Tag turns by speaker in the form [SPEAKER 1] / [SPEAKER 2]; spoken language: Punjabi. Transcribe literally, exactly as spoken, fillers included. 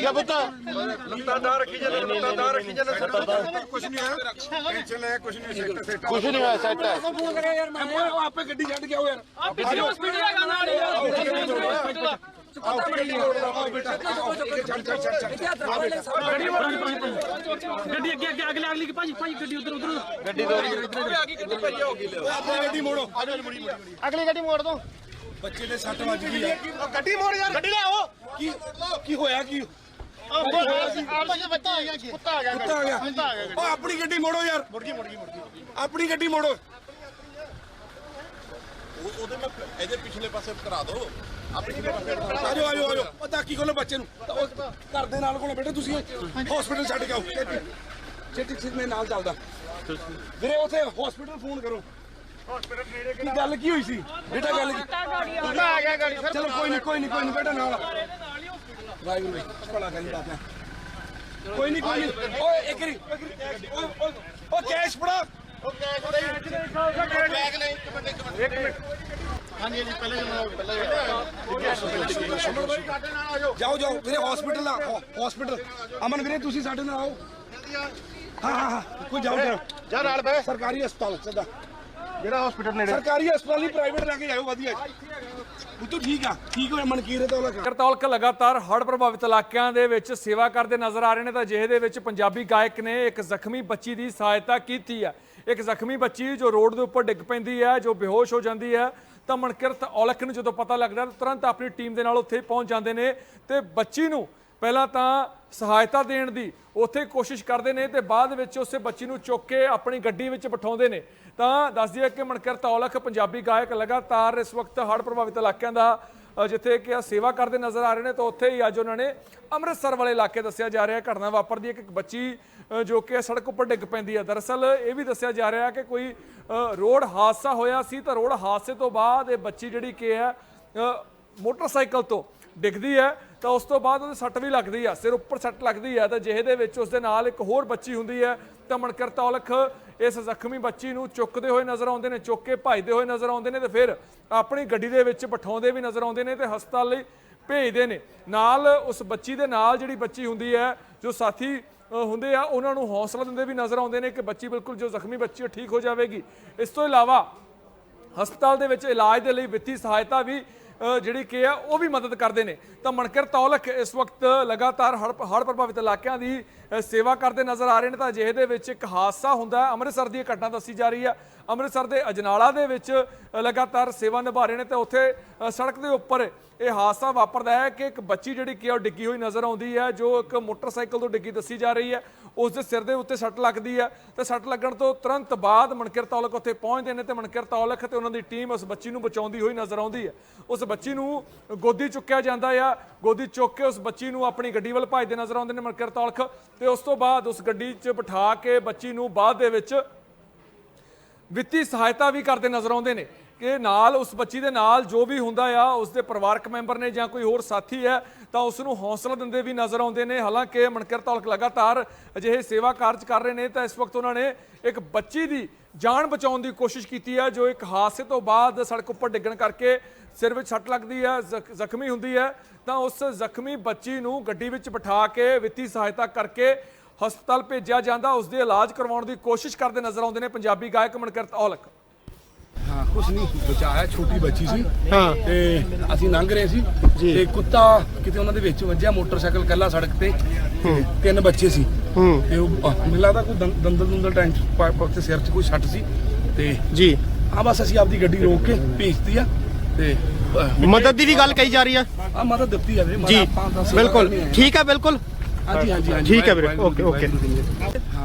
[SPEAKER 1] ठीक है पुत
[SPEAKER 2] लत्तादार रखी जाने लत्तादार रखी जाने कुछ नहीं है टेंशन ले कुछ नहीं सेट सेट
[SPEAKER 1] कुछ नहीं हुआ सेट है
[SPEAKER 2] फोन करे यार मैं आप पे गड्डी छੱਡ के आओ यार आप पिछले हॉस्पिटल का गाना आ रहा है आओ गड्डी मोड़ लो आओ बेटा चल चल चल चल गड्डी गड्डी आगे आगे अगले अगली की भाजी भाजी गड्डी उधर उधर गड्डी दो इधर आगे कितने पई होगी ले गड्डी मोड़ो आ जाओ मुड़ी मुड़ी
[SPEAKER 1] अगली गड्डी मोड़ दो
[SPEAKER 2] ਬੱਚੇ ਦੇ ਸੱਟ ਵੱਜ ਗਈ ਹੈ
[SPEAKER 1] गड्डी मोड़ यार गड्डी ले आओ
[SPEAKER 2] ਕੀ ਕੀ ਹੋਇਆ ਕੀ
[SPEAKER 1] आपस में बच्चा आ गया कुत्ता आ गया
[SPEAKER 2] ਕੁੱਤਾ ਆ ਗਿਆ
[SPEAKER 1] कुत्ता आ गया
[SPEAKER 2] ਉਹ ਆਪਣੀ ਗੱਡੀ ਮੋੜੋ ਯਾਰ
[SPEAKER 1] मुड़ गई मुड़ गई मुड़ गई
[SPEAKER 2] ਆਪਣੀ ਗੱਡੀ ਮੋੜੋ
[SPEAKER 3] ਉਹਦੇ ਮੈਂ ਇਹਦੇ ਪਿਛਲੇ ਪਾਸੇ ਕਰਾ ਦੋ ਆ ਪਿਛਲੇ ਪਾਸੇ
[SPEAKER 2] ਆਜੋ ਆਜੋ ਆਜੋ ਉਹ ਤਾਕੀ ਖੋਲੋ ਬੱਚੇ ਨੂੰ ਤਾਂ ਉਹ ਘਰ ਦੇ ਨਾਲ ਕੋਲ ਬੈਠੇ ਤੁਸੀਂ ਹਸਪੀਟਲ ਛੱਡ ਕੇ ਆਓ ਛੇਤੀ ਛੇਤੀ ਮੇਰੇ ਨਾਲ ਚੱਲਦਾ ਵੀਰੇ ਉਥੇ ਹਸਪੀਟਲ ਫੋਨ ਕਰੋ ਹਸਪੀਟਲ ਨੇੜੇ ਕੀ ਗੱਲ ਕੀ ਹੋਈ ਸੀ ਬੇਟਾ ਗੱਲ ਕੀ
[SPEAKER 1] कुत्ता आ गया गाड़ी सर
[SPEAKER 2] ਚਲੋ ਕੋਈ ਨਹੀਂ ਕੋਈ ਨਹੀਂ ਕੋਈ ਨਹੀਂ ਬੇਟਾ ਨਾਲ ਵਾਹਿਗੁਰੂ ਜੀ ਭਲਾ ਕਰੀ ਬਾਪਾ ਕੋਈ ਨਹੀਂ ਕੋਈ ਨਹੀਂ ਓਏ ਇੱਕ ਰੀ ਓਏ ਓਏ ਓ ਕੈਸ਼ ਫੜਾ
[SPEAKER 3] ਬੈਗ ਨਹੀਂ ਇੱਕ ਮਿੰਟ ਇੱਕ ਮਿੰਟ ਇੱਕ ਮਿੰਟ
[SPEAKER 1] हाँ जी जी पहले पहले
[SPEAKER 2] ਜਾਓ ਜਾਓ ਵੀਰੇ ਹਸਪੀਟਲ ਆ ਹਸਪੀਟਲ ਅਮਨ ਵੀਰੇ ਤੁਸੀਂ ਸਾਡੇ ਨਾਲ ਆਓ ਹਾਂ ਹਾਂ ਹਾਂ ਕੋਈ ਜਾਓ ਜਾਓ
[SPEAKER 1] जा नाल पे
[SPEAKER 2] ਸਰਕਾਰੀ ਹਸਪਤਾਲ ਸਿੱਧਾ
[SPEAKER 1] जेड़ा हॉस्पिटल नेड़े
[SPEAKER 2] ਸਰਕਾਰੀ ਹਸਪਤਾਲ ਨਹੀਂ ਪ੍ਰਾਈਵੇਟ ਲੈ ਕੇ ਜਾਓ ਵਧੀਆ ਉਹ ਤੂੰ ਠੀਕ ਆ ਠੀਕ ਹੋਇਆ ਮਨਕੀਰ ਤੋਂ ਲਗਾ
[SPEAKER 4] ਕਰਤੌਲਕ ਲਗਾਤਾਰ ਹੜ੍ਹ ਪ੍ਰਭਾਵਿਤ ਇਲਾਕਿਆਂ ਦੇ ਵਿੱਚ ਸੇਵਾ ਕਰਦੇ ਨਜ਼ਰ ਆ ਰਹੇ ਨੇ ਤਾਂ ਅਜਿਹੇ ਦੇ ਵਿੱਚ ਪੰਜਾਬੀ ਗਾਇਕ ਨੇ ਇੱਕ ਜ਼ਖਮੀ ਬੱਚੀ ਦੀ ਸਹਾਇਤਾ ਕੀਤੀ ਹੈ। ਇੱਕ ਜ਼ਖਮੀ ਬੱਚੀ ਜੋ ਰੋਡ ਦੇ ਉੱਪਰ ਡਿੱਗ ਪੈਂਦੀ ਹੈ, ਜੋ ਬੇਹੋਸ਼ ਹੋ ਜਾਂਦੀ ਹੈ, ਤਾਂ ਮਨਕਿਰਤ ਔਲਖ ਨੂੰ ਜਦੋਂ ਪਤਾ ਲੱਗਦਾ ਤਾਂ ਤੁਰੰਤ ਆਪਣੀ ਟੀਮ ਦੇ ਨਾਲ ਉੱਥੇ ਪਹੁੰਚ ਜਾਂਦੇ ਨੇ ਤੇ ਬੱਚੀ ਨੂੰ ਪਹਿਲਾਂ ਤਾਂ ਸਹਾਇਤਾ ਦੇਣ ਦੀ ਉੱਥੇ ਕੋਸ਼ਿਸ਼ ਕਰਦੇ ਨੇ ਤੇ ਬਾਅਦ ਵਿੱਚ ਉਸੇ ਬੱਚੀ ਨੂੰ ਚੁੱਕ ਕੇ ਆਪਣੀ ਗੱਡੀ ਵਿੱਚ ਬਿਠਾਉਂਦੇ ਨੇ। ਤਾਂ ਦੱਸ ਦਈਏ ਕਿ ਮਨਕਿਰਤ ਔਲਖ ਪੰਜਾਬੀ ਗਾਇਕ ਲਗਾਤਾਰ ਇਸ ਵਕਤ ਹੜ੍ਹ ਪ੍ਰਭਾਵਿਤ ਇਲਾਕਿਆਂ ਦਾ ਜਿੱਥੇ ਕਿ ਸੇਵਾ ਕਰਦੇ ਨਜ਼ਰ ਆ ਰਹੇ ਨੇ ਤਾਂ ਉੱਥੇ ਹੀ ਅੱਜ ਉਹਨਾਂ ਨੇ ਅੰਮ੍ਰਿਤਸਰ ਵਾਲੇ ਇਲਾਕੇ ਦੱਸਿਆ ਜਾ ਰਿਹਾ ਘਟਨਾ ਵਾਪਰਦੀ ਹੈ ਕਿ ਇੱਕ ਬੱਚੀ ਜੋ ਕਿ ਸੜਕ ਉੱਪਰ ਡਿੱਗ ਪੈਂਦੀ ਹੈ। ਦਰਅਸਲ ਇਹ ਵੀ ਦੱਸਿਆ ਜਾ ਰਿਹਾ ਕਿ ਕੋਈ ਰੋਡ ਹਾਦਸਾ ਹੋਇਆ ਸੀ ਤਾਂ ਰੋਡ ਹਾਦਸੇ ਤੋਂ ਬਾਅਦ ਇਹ ਬੱਚੀ ਜਿਹੜੀ ਕਿ ਹੈ ਮੋਟਰਸਾਈਕਲ ਤੋਂ ਡਿੱਗਦੀ ਹੈ ਤਾਂ ਉਸ ਤੋਂ ਬਾਅਦ ਉਹਦੇ ਸੱਟ ਵੀ ਲੱਗਦੀ ਆ, ਸਿਰ ਉੱਪਰ ਸੱਟ ਲੱਗਦੀ ਹੈ ਤਾਂ ਜਿਹੇ ਦੇ ਵਿੱਚ ਉਸ ਦੇ ਨਾਲ ਇੱਕ ਹੋਰ ਬੱਚੀ ਹੁੰਦੀ ਹੈ ਤਾਂ ਮਨਕਿਰਤ ਔਲਖ ਇਸ ਜ਼ਖਮੀ ਬੱਚੀ ਨੂੰ ਚੁੱਕਦੇ ਹੋਏ ਨਜ਼ਰ ਆਉਂਦੇ ਨੇ, ਚੁੱਕ ਕੇ ਭੱਜਦੇ ਹੋਏ ਨਜ਼ਰ ਆਉਂਦੇ ਨੇ ਤੇ ਫਿਰ ਆਪਣੀ ਗੱਡੀ ਦੇ ਵਿੱਚ ਬਿਠਾਉਂਦੇ ਵੀ ਨਜ਼ਰ ਆਉਂਦੇ ਨੇ ਤੇ ਹਸਪਤਾਲ ਲਈ ਭੇਜਦੇ ਨੇ। ਨਾਲ ਉਸ ਬੱਚੀ ਦੇ ਨਾਲ ਜਿਹੜੀ ਬੱਚੀ ਹੁੰਦੀ ਹੈ, ਜੋ ਸਾਥੀ ਹੁੰਦੇ ਆ, ਉਹਨਾਂ ਨੂੰ ਹੌਸਲਾ ਦਿੰਦੇ ਵੀ ਨਜ਼ਰ ਆਉਂਦੇ ਨੇ ਕਿ ਬੱਚੀ ਬਿਲਕੁਲ ਜੋ ਜ਼ਖਮੀ ਬੱਚੀ ਉਹ ਠੀਕ ਹੋ ਜਾਵੇਗੀ। ਇਸ ਤੋਂ ਇਲਾਵਾ ਹਸਪਤਾਲ ਦੇ ਵਿੱਚ ਇਲਾਜ ਦੇ ਲਈ ਵਿੱਤੀ ਸਹਾਇਤਾ ਵੀ ਜਿਹੜੀ ਕਿ ਆ ਉਹ ਵੀ ਮਦਦ ਕਰਦੇ ਨੇ। ਤਾਂ ਮਨਕਿਰਤ ਔਲਖ ਇਸ ਵਕਤ ਲਗਾਤਾਰ ਹੜ੍ਹ ਹੜ੍ਹ ਪ੍ਰਭਾਵਿਤ ਇਲਾਕਿਆਂ ਦੀ ਸੇਵਾ ਕਰਦੇ ਨਜ਼ਰ ਆ ਰਹੇ ਨੇ ਤਾਂ ਅਜਿਹੇ ਦੇ ਵਿੱਚ ਇੱਕ ਹਾਦਸਾ ਹੁੰਦਾ ਹੈ। ਅੰਮ੍ਰਿਤਸਰ ਦੀ ਘਟਨਾ ਦੱਸੀ ਜਾ ਰਹੀ ਹੈ, ਅੰਮ੍ਰਿਤਸਰ ਦੇ ਅਜਨਾਲਾ ਦੇ ਵਿੱਚ ਲਗਾਤਾਰ ਸੇਵਾ ਨਿਭਾ ਰਹੇ ਨੇ ਤੇ ਉੱਥੇ ਸੜਕ ਦੇ ਉੱਪਰ ਇਹ ਹਾਦਸਾ ਵਾਪਰਦਾ ਹੈ ਕਿ ਇੱਕ ਬੱਚੀ ਜਿਹੜੀ ਕਿ ਉਹ ਡਿੱਗੀ ਹੋਈ ਨਜ਼ਰ ਆਉਂਦੀ ਹੈ, ਜੋ ਇੱਕ ਮੋਟਰਸਾਈਕਲ ਤੋਂ ਡਿੱਗੀ ਦੱਸੀ ਜਾ ਰਹੀ ਹੈ। ਉਸ ਦੇ ਸਿਰ ਦੇ ਉੱਤੇ ਸੱਟ ਲੱਗਦੀ ਹੈ ਤੇ ਸੱਟ ਲੱਗਣ ਤੋਂ ਤੁਰੰਤ ਬਾਅਦ ਮਨਕਿਰਤ ਔਲਖ ਉੱਥੇ ਪਹੁੰਚਦੇ ਨੇ ਤੇ ਮਨਕਿਰਤ ਔਲਖ ਤੇ ਉਹਨਾਂ ਦੀ ਟੀਮ ਉਸ ਬੱਚੀ ਨੂੰ ਬਚਾਉਂਦੀ ਹੋਈ ਨਜ਼ਰ ਆਉਂਦੀ ਹੈ। ਉਸ ਬੱਚੀ ਨੂੰ ਗੋਦੀ ਚੁੱਕਿਆ ਜਾਂਦਾ ਆ, ਗੋਦੀ ਚੁੱਕ ਕੇ ਉਸ ਬੱਚੀ ਨੂੰ ਆਪਣੀ ਗੱਡੀ ਵੱਲ ਭੱਜਦੇ ਨਜ਼ਰ ਆਉਂਦੇ ਨੇ ਮਨਕਿਰਤ ਔਲਖ ਤੇ ਉਸ ਤੋਂ ਬਾਅਦ ਉਸ ਗੱਡੀ 'ਚ ਬਿਠਾ ਕੇ ਬੱਚੀ ਨੂੰ ਬਾਅਦ ਦੇ ਵਿੱਚ ਵਿੱਤੀ ਸਹਾਇਤਾ ਵੀ ਕਰਦੇ ਨਜ਼ਰ ਆਉਂਦੇ ਨੇ ਕਿ ਨਾਲ ਉਸ ਬੱਚੀ ਦੇ ਨਾਲ ਜੋ ਵੀ ਹੁੰਦਾ ਆ ਉਸ ਦੇ ਪਰਿਵਾਰਕ ਮੈਂਬਰ ਨੇ ਜਾਂ ਕੋਈ ਹੋਰ ਸਾਥੀ ਹੈ ਤਾਂ ਉਸ ਨੂੰ ਹੌਸਲਾ ਦਿੰਦੇ ਵੀ ਨਜ਼ਰ ਆਉਂਦੇ ਨੇ। ਹਾਲਾਂਕਿ ਮਨਕਿਰਤ ਔਲਖ ਲਗਾਤਾਰ ਅਜਿਹੇ ਸੇਵਾ ਕਾਰਜ ਕਰ ਰਹੇ ਨੇ ਤਾਂ ਇਸ ਵਕਤ ਉਹਨਾਂ ਨੇ ਇੱਕ ਬੱਚੀ ਦੀ ਜਾਨ ਬਚਾਉਣ ਦੀ ਕੋਸ਼ਿਸ਼ ਕੀਤੀ ਹੈ, ਜੋ ਇੱਕ ਹਾਦਸੇ ਤੋਂ ਬਾਅਦ ਸੜਕ ਉੱਪਰ ਡਿੱਗਣ ਕਰਕੇ ਸਿਰ ਵਿੱਚ ਸੱਟ ਲੱਗਦੀ ਹੈ, ਜ਼ਖਮੀ ਹੁੰਦੀ ਹੈ ਤਾਂ ਉਸ ਜ਼ਖਮੀ ਬੱਚੀ ਨੂੰ ਗੱਡੀ ਵਿੱਚ ਬਿਠਾ ਕੇ ਵਿੱਤੀ ਸਹਾਇਤਾ ਕਰਕੇ ਹਸਪਤਾਲ ਭੇਜਿਆ ਜਾਂਦਾ, ਉਸ ਦੇ ਇਲਾਜ ਕਰਵਾਉਣ ਦੀ ਕੋਸ਼ਿਸ਼ ਕਰਦੇ ਨਜ਼ਰ ਆਉਂਦੇ ਨੇ ਪੰਜਾਬੀ ਗਾਇਕ ਮਨਕਿਰਤ ਔਲਖ।
[SPEAKER 2] ਹਾਂ ਕੁਛ ਨਹੀਂ ਬਚਾਇਆ, ਛੋਟੀ ਬੱਚੀ ਸੀ ਹਾਂ ਤੇ ਅਸੀਂ ਲੰਘ ਰਹੇ ਸੀ ਤੇ ਕੁੱਤਾ ਕਿਤੇ ਉਹਨਾਂ ਦੇ ਵਿੱਚ ਵੱਜਿਆ, ਮੋਟਰਸਾਈਕਲ ਕੱਲਾ ਸੜਕ ਤੇ ਤਿੰਨ ਬੱਚੇ ਸੀ ਤੇ ਉਹ ਮੈਨੂੰ ਲੱਗਦਾ ਕੋਈ ਦੰਦਲ ਦੰਦਲ ਟੈਂਕ ਤੇ ਸਿਰ 'ਚ ਕੋਈ ਸੱਟ ਸੀ ਤੇ ਜੀ ਹਾਂ ਬਸ ਅਸੀਂ ਆਪਦੀ ਗੱਡੀ ਰੋਕ ਕੇ ਭੇਜਤੀ ਆ ਤੇ
[SPEAKER 1] मदद की भी गल कही जा रही है
[SPEAKER 2] ਆ ਮਦਦ ਦਿੱਤੀ ਆ ਵੀਰੇ
[SPEAKER 1] जी बिल्कुल ठीक है बिल्कुल
[SPEAKER 2] ਹਾਂਜੀ ਹਾਂਜੀ
[SPEAKER 1] ठीक है वीरे ओके ओके